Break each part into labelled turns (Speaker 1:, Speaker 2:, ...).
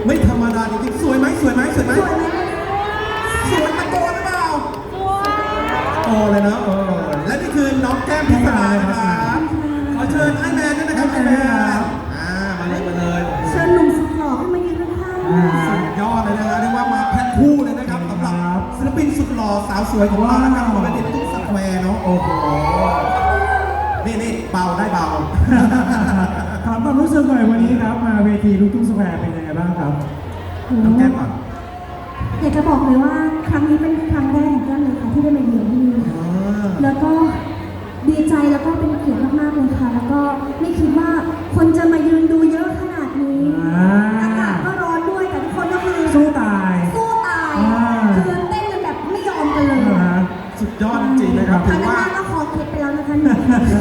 Speaker 1: ไม่ธรรมดาจริงๆสวยไหมสวยไหมสวยไหม
Speaker 2: สวยไหม
Speaker 1: สวยตะโกนหรือเปล่าโอ้เลยนะและนี่คือน้องแก้มพิศรานะครับขอเชิญไอ้แมนด้วยนะครับไอ้แมนมาเลยมาเลย
Speaker 2: เชิญหนุ่มสุดหล่อขึ้นมายืนข้างๆ
Speaker 1: สุดยอดเลยนะฮะเรียกว่ามาแพ็คคู่เลยนะครับสำหรับศิลปินสุดหล่อสาวสวยของเรานะครับปกติตุ๊กสแควร์เนาะโอ้โหนี่เบาได้เบา
Speaker 3: ถามความรู้สึกหน่อยวันนี้ครับมาเวทีลูกทุ่งสแควร์เป็นยังไงบ้างครับ
Speaker 1: น้องแก้มก่อน
Speaker 2: อยากจะบอกเลยว่าครั้งนี้เป็นครั้งแรกของแก้มเลยค่ะที่ได้มาเยือนที่นี่แล้วก็ดีใจแล้วก็เป็นเกียรติมากๆเลยค่ะ แล้วก็ไม่คิดว่าคนจะมายืนดูเยอะขนาดนี้อากาศก็ร้อนด้วยแต่ทุกคนก็คือ
Speaker 3: สู้ตาย
Speaker 2: สู้ตายคือเต้นกันแบบไม่ยอมกันเลย
Speaker 1: สุดยอดจริงๆนะครับถือว่า
Speaker 2: ก็คอเคล็ดไปแล้วนะคะหนู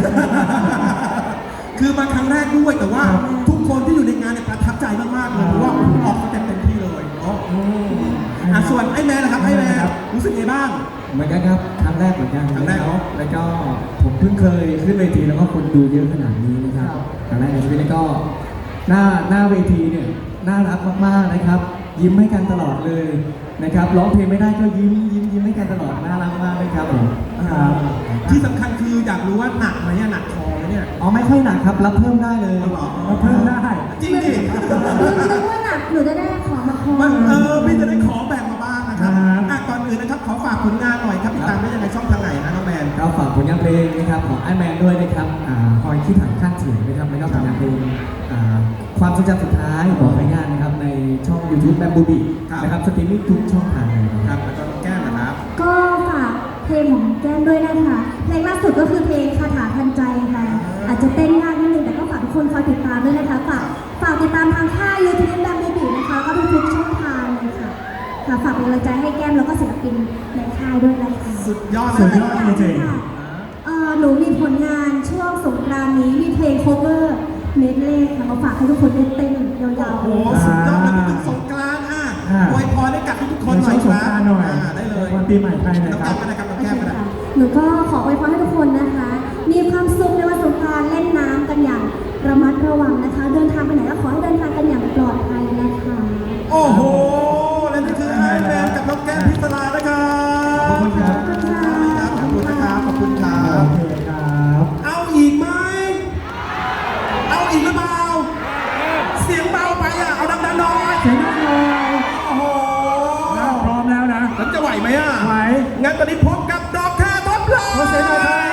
Speaker 1: คือมาครั้งแรกด้วยแต่ว่าทุกคนที่อยู่ในงานเนี่ยประทับใจมากๆเลยเพราะว่าออกมาเต็มที่เลยเนาะส่วนไอ้แมนนะครับไอ้แมนรู้สึกไงบ้าง
Speaker 4: เหมือนกันครับครั้งแรกเหมือนกัน
Speaker 1: ครั้งแรกเนอะ
Speaker 4: แล้วก็ผมเพิ่งเคยขึ้นเวทีแล้วก็คนดูเยอะขนาดนี้นะครับครั้งแรกในชีวิตแล้วก็หน้าเวทีเนี่ยน่ารักมากๆนะครับ ยิ้มให้กันตลอดเลยนะครับร้องเพลงไม่ได้ก็ยิ้มให้กันตลอดน่ารักมากเลยครับผมครับ
Speaker 1: ที่สำคัญคืออยากรู้ว่าหนักไหมเนี่ยหนักคอไหมเนี่ย
Speaker 4: อ๋อไม่ค่อยหนักครับรับเพิ่มได้เลย
Speaker 3: รับเพิ่มได้
Speaker 1: จริงดิ
Speaker 2: นึกว่าหนักหนูจะได้ของมาคอ
Speaker 1: มันพี่จะได้ขอแบ่งมาบ้างนะครับก่อนอื่นนะครับขอฝากผลงานหน่อยครับติดตามได้ยังไงช่องทางไหนนะน้องแมน
Speaker 4: เราฝากผลงานเพลงนะครับของไอแมนด้วยนะครับคอยคิดถังข้างเสียงนะครับแล้วก็ผลงานเพลงความทรงจำสุดท้ายของรายงานนะครับในช่อง YouTube แบมบูบีนะครับสตรีมมิ่งทุกช่องทางเลยนะครับ
Speaker 1: แล้วก็น้องแก้มนะครับ
Speaker 2: ก็ฝากเพลงของแก้มด้วยนะคะเพลงล่าสุดก็คือเพลงคาถาทันใจค่ะอาจจะเต้นยากนิดนึงแต่ก็ฝากทุกคนคอยติดตามด้วยนะคะฝากติดตามทางค่าย YouTube แบมบูบีนะคะก็ทุกช่องทางเลยค่ะฝากเป็นกำลังใจให้แก้มแล้วก็ศิลปินในค่ายด้วยนะคะ
Speaker 1: สุดยอด
Speaker 3: สุด
Speaker 1: เลย
Speaker 3: ยอดจริง
Speaker 2: หนูมีผลงานช่วงสงกรานต์นี้มีเพลง cover เมดเล่ค่ะมาฝากให้ทุกคนได้เต้นยาวๆ
Speaker 1: โอ้โหสุดยอดเลยถึงสงกรานต์อวยพรให้กับทุกๆคนหน่อย
Speaker 3: สงกรานต์หน่อย
Speaker 1: ได้เลย
Speaker 3: วันปีใหม่ไทยหน่อย
Speaker 1: น้อง
Speaker 3: ค
Speaker 1: แก้
Speaker 3: รับ
Speaker 1: มก็ได้ครับน้องแก้มก็ได้
Speaker 2: หนูก็ขออวยพรให้ทุกคนนะคะ มีความสุขในวันสงกรานต์เล่นน้ำกันอย่างระมัดระวังนะคะ เดินทางไปไหนก็ขอให้เดินทางกันอย่างปลอดภัยนะคะ
Speaker 1: โอ้โหและนี่คือไอแมนกับน้องแก้มพิศรานะครับ
Speaker 3: ขอบคุณครับ
Speaker 1: ขอบคุณนะครับขอบคุณครั
Speaker 3: โอบ เคครับ
Speaker 1: เอาอีกไหมเอาอีกหรือเปล่าเสียงเบาไปเอาดังๆหน่อย
Speaker 3: เสียงดังหน่อย
Speaker 1: โอ้โห
Speaker 3: พร้อมแล้วนะ
Speaker 1: แล้วจะไหวไหม
Speaker 3: ไหว
Speaker 1: งั้นตอนนี้พบกับดอกแค่ท็อปไลน์
Speaker 3: ขอเสียงหน่อยครับ